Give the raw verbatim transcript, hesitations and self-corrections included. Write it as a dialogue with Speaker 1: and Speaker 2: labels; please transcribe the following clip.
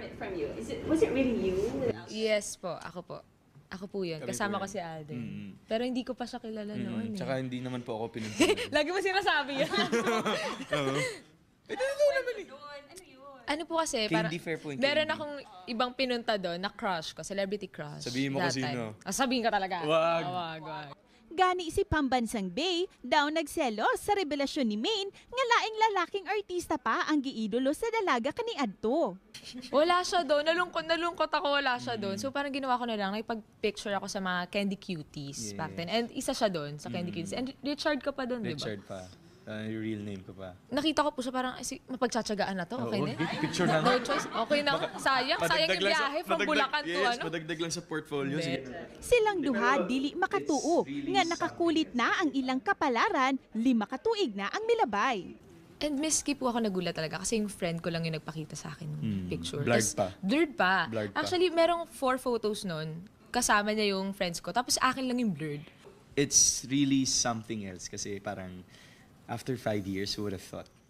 Speaker 1: it from you. Is it, was it really you? Without...
Speaker 2: Yes po, ako po. Ako po yun.
Speaker 3: Kami
Speaker 2: Kasama
Speaker 3: po
Speaker 2: ko
Speaker 3: yun.
Speaker 2: si Alden.
Speaker 3: Mm.
Speaker 2: Pero hindi ko pa siya kilala noon eh.
Speaker 3: Tsaka hindi naman po ako pinunta.
Speaker 2: Lagi mo sinasabi yan.
Speaker 3: Eh, totoo naman eh.
Speaker 1: Ano yun?
Speaker 2: Ano po kasi,
Speaker 3: Candy
Speaker 2: parang,
Speaker 3: fair po yung
Speaker 2: meron
Speaker 3: candy.
Speaker 2: akong ibang pinunta doon na crush ko, celebrity crush.
Speaker 3: Sabihin mo
Speaker 2: that
Speaker 3: kung
Speaker 2: time.
Speaker 3: sino.
Speaker 2: Ah, sabihin ka talaga.
Speaker 3: Wag.
Speaker 2: Ah, wag, wag.
Speaker 4: Gani si Pambansang Bay daw nagselos sa revelasyon ni Maine nga laing lalaking artista pa ang giidolo sa dalaga kaniadto.
Speaker 2: Wala siya doon. Nalungkot, nalungkot ako, wala siya doon. So parang ginawa ko na lang, nakipag-picture ako sa mga Candy Cuties
Speaker 3: Yeah.
Speaker 2: back then. And isa siya doon sa Candy Cuties. And Richard ka pa doon, di ba?
Speaker 3: Richard pa. Uh, yung real name ko pa.
Speaker 2: Nakita ko po siya parang, ay, si- mapagtsatsagaan na to, okay
Speaker 3: Oo,
Speaker 2: na?
Speaker 3: eh, picture na
Speaker 2: No
Speaker 3: nga.
Speaker 2: choice. Okay na. nga. Sayang, sayang
Speaker 3: Padagdag
Speaker 2: yung
Speaker 3: lang sa-
Speaker 2: biyahe from
Speaker 3: padagdag-
Speaker 2: Bulacan to
Speaker 3: yes,
Speaker 2: ano.
Speaker 3: padagdag lang sa portfolio. Sige.
Speaker 4: Silang duha dili makatuo nga nakakulit na ang ilang kapalaran, lima katuig na ang milabay.
Speaker 2: And miski po ako nagulat talaga kasi yung friend ko lang yung nagpakita sa akin ng
Speaker 3: Hmm,
Speaker 2: picture.
Speaker 3: blurred
Speaker 2: Tas-
Speaker 3: pa.
Speaker 2: Blurred pa.
Speaker 3: Blurred pa.
Speaker 2: Actually, merong four photos nun. Kasama niya yung friends ko. Tapos akin lang yung blurred.
Speaker 3: It's really something else kasi parang after five years, who would have thought?